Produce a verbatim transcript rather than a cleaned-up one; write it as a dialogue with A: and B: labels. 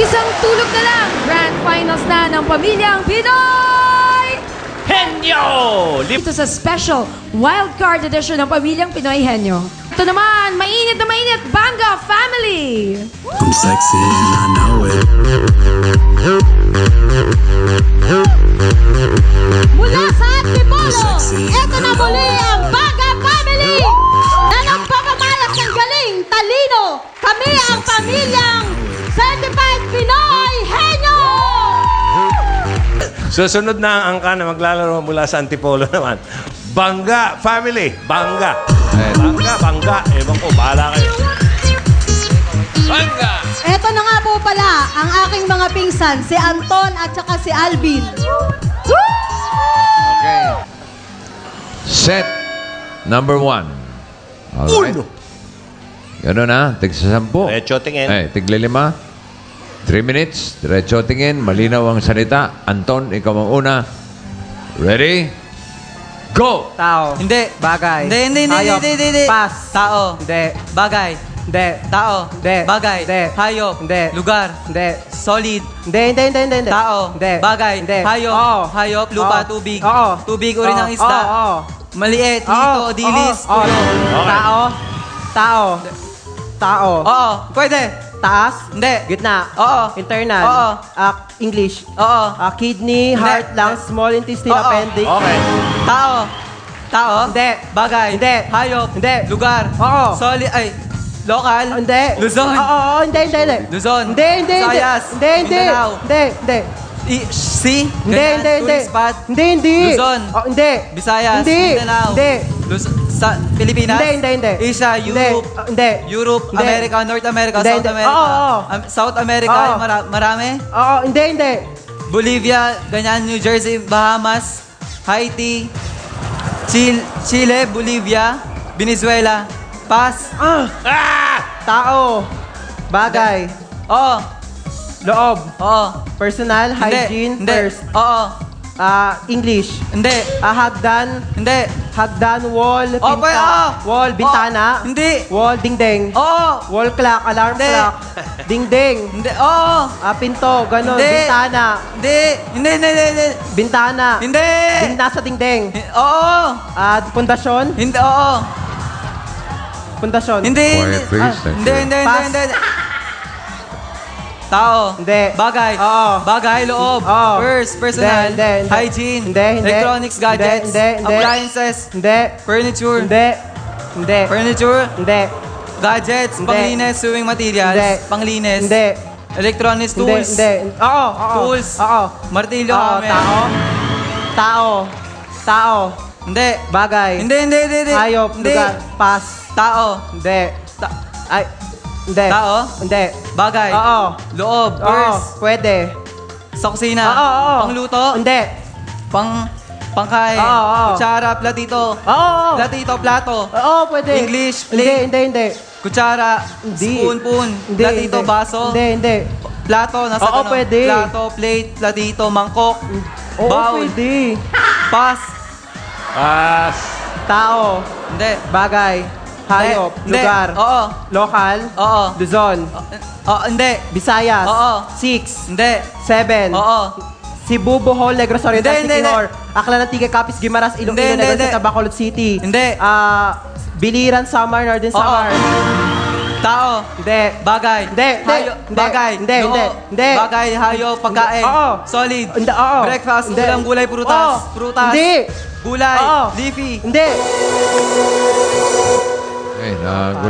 A: Isang tulog na lang, Grand Finals na ng Pamilyang Pinoy!
B: Henyo!
A: Dito sa special wildcard edition ng Pamilyang Pinoy Henyo. Ito naman, mainit na mainit, Banga Family!
C: I'm sexy and I know it.
D: Mula sa Antipolo, eto na muli ang Banga Family na nagpapamalas ng galing, talino. Kami ang Pamilyang Certified Pinoy Henyo!
B: Susunod na ang angka na maglalaro mula sa Antipolo naman. Banga Family! Banga! Banga, bangga. Ewan ko, bahala kayo. Banga!
D: Eto na nga po pala ang aking mga pingsan, si Anton at saka si Alvin.
E: Okay. Set number one. Alright. Gano'n na, tigsa sampu.
B: Diretso tingin.
E: Eh, tigli lima. Three minutes, diretso tingin. Malinaw ang salita. Anton, ikaw ang una. Ready? Go!
F: Tao.
G: Hindi.
F: Bagay.
G: Hindi, hindi, hindi,
F: Hayop.
G: hindi, hindi, hindi.
F: Pass.
G: Tao.
F: Hindi.
G: Bagay.
F: Hindi.
G: Tao.
F: Hindi.
G: Bagay.
F: Hindi.
G: Hayop.
F: Hindi.
G: Lugar.
F: Hindi.
G: Solid.
F: Hindi, hindi, hindi, hindi. hindi.
G: Tao.
F: Hindi.
G: Bagay.
F: Hindi.
G: Hayop.
F: Oo.
G: Hayop. Lupa.
F: Oo.
G: Tubig.
F: Oo.
G: Tubig. Uri
F: Oo.
G: ng isda.
F: Oo. Oo.
G: Maliit.
F: Oo.
G: Hito. Dilis.
F: Oo.
G: Tuyo.
F: Oo. Tao. Tao. Tao.
G: Oo. Pwede.
F: Taas.
G: Hindi.
F: Gitna.
G: Oo.
F: Internal.
G: Oo.
F: Ah, English.
G: Oo.
F: Ah, kidney,
G: Hindi.
F: heart, lungs, small intestine,
G: Oo.
F: appendix.
B: Okay.
G: Tao. Tao.
F: Hindi.
G: Bagay.
F: Hindi.
G: Hayop.
F: Hindi.
G: Lugar.
F: Oo.
G: Solid. Ay. Local.
F: Hindi.
G: Luzon.
F: Oo, oo, hindi, hindi, hindi.
G: Luzon.
F: Hindi, hindi, hindi.
G: Visayas.
F: Hindi, hindi.
G: Mindanao.
F: Hindi, hindi.
G: I- si.
F: Hindi,
G: Ganyan.
F: hindi, hindi.
G: Tourist spot.
F: Hindi, hindi.
G: Luzon.
F: Oh, hindi.
G: Visayas.
F: Hindi.
G: Mindanao.
F: Hindi.
G: Luz- sa Pilipinas.
F: Hindi, hindi, hindi.
G: Asia,
F: Hindi.
G: Europe.
F: Oh, hindi.
G: Europe,
F: Hindi.
G: America, North America,
F: Hindi,
G: South
F: hindi.
G: America.
F: Oo, oo.
G: Am- South America,
F: Oo.
G: mara- marami.
F: Oo, hindi, hindi.
G: Bolivia, ganyan, New Jersey, Bahamas, Haiti, Chile, Chile, Bolivia, Venezuela. Pass.
F: Ah!
B: Ah!
F: Tao. Bagay.
G: Oo.
F: Loob.
G: Oo.
F: Personal,
G: Hindi.
F: hygiene,
G: Hindi.
F: first.
G: Oo.
F: Ah, English.
G: Hindi.
F: Ah, hagdan.
G: Hindi.
F: Hagdan, wall,
G: Oh,
F: pinta.
G: pwede, oo.
F: Wall, bintana.
G: Oo. Hindi.
F: Wall, dingding.
G: Oo.
F: Wall clock, alarm
G: Hindi.
F: clock. Dingding.
G: Hindi. Oo.
F: Ah, pinto, ganun.
G: Hindi.
F: Bintana.
G: Hindi. Hindi, hindi, hindi, hindi.
F: Bintana.
G: Hindi.
F: Ding, nasa dingding.
G: Oo.
F: Ah, pundasyon.
G: Hindi, oo.
F: Pundasyon.
G: Hindi.
E: Quiet, please.
F: Ah,
E: Thank
G: Hindi,
E: you.
G: hindi, hindi,
F: Pass.
G: hindi. Tao.
F: Hindi.
G: Bagay.
F: Oo.
G: Bagay, loob.
F: Oo.
G: First, personal.
F: Hindi, hindi, hindi.
G: Hygiene.
F: Hindi, hindi.
G: Electronics, gadgets.
F: Hindi, hindi, hindi.
G: Appliances.
F: Hindi.
G: Furniture.
F: Hindi. Hindi.
G: Furniture.
F: Hindi.
G: Gadgets.
F: Hindi.
G: Panglinis. Sewing materials.
F: Hindi.
G: Panglinis.
F: Hindi.
G: Electronics
F: Hindi.
G: tools.
F: Hindi. Oo, oo.
G: Tools.
F: Oo.
G: Martilyo.
F: Oo,
G: hammer.
F: tao. Tao. Tao.
G: Hindi.
F: Bagay.
G: Hindi, hindi, hindi, hindi.
F: Hayop.
G: Hindi.
F: Lugar. Pass.
G: Tao.
F: Hindi.
G: Ta-
F: Ay. Hindi.
G: Tao.
F: Hindi.
G: Bagay.
F: Oo.
G: Loob.
F: Oo.
G: Purse.
F: Pwede.
G: Sa kusina.
F: Oo, oo.
G: Pangluto.
F: Hindi.
G: Pang pangkain.
F: Oo, oo.
G: Kutsara, platito.
F: Oo. oo.
G: Platito, plato.
F: Oo, pwede.
G: English,
F: Hindi,
G: plate.
F: hindi, hindi.
G: Kutsara,
F: Hindi.
G: spoon, spoon.
F: Hindi,
G: Platito,
F: hindi.
G: baso.
F: Hindi, hindi.
G: Plato, nasa
F: Oo,
G: ganun.
F: pwede.
G: Plato, plate, platito, mangkok.
F: Oo,
G: Bowl.
F: pwede.
G: Pass.
B: Pass.
F: Tao.
G: Hindi.
F: Bagay. Hayop.
G: Hindi.
F: Lugar.
G: Oo.
F: Local.
G: Oo.
F: Luzon.
G: Oo, hindi.
F: Visayas.
G: Oo.
F: Six.
G: Hindi.
F: Seven.
G: Oo.
F: Cebu, Bohol, Negros Oriental,
G: Hindi, hindi,
F: Siquijor, Aklan, Antique, Capiz, Guimaras, Iloilo,
G: Hindi, hindi,
F: Negros,
G: hindi.
F: Bacolod City.
G: Hindi.
F: Ah, Biliran, Samar, Northern
G: Oo.
F: Samar.
G: Tao.
F: Hindi.
G: Bagay.
F: Hindi, hindi,
G: Hayo-
F: hindi,
G: Bagay.
F: hindi,
G: Loo.
F: hindi, hindi.
G: Bagay, hayop, pagkain.
F: Oo.
G: Solid.
F: Hindi, oo.
G: Breakfast,
F: Hindi.
G: ulam, gulay, prutas.
F: Oo.
G: Prutas.
F: Hindi.
G: Gulay.
F: Oo.
G: Leafy.
F: Hindi.
E: Okay, nag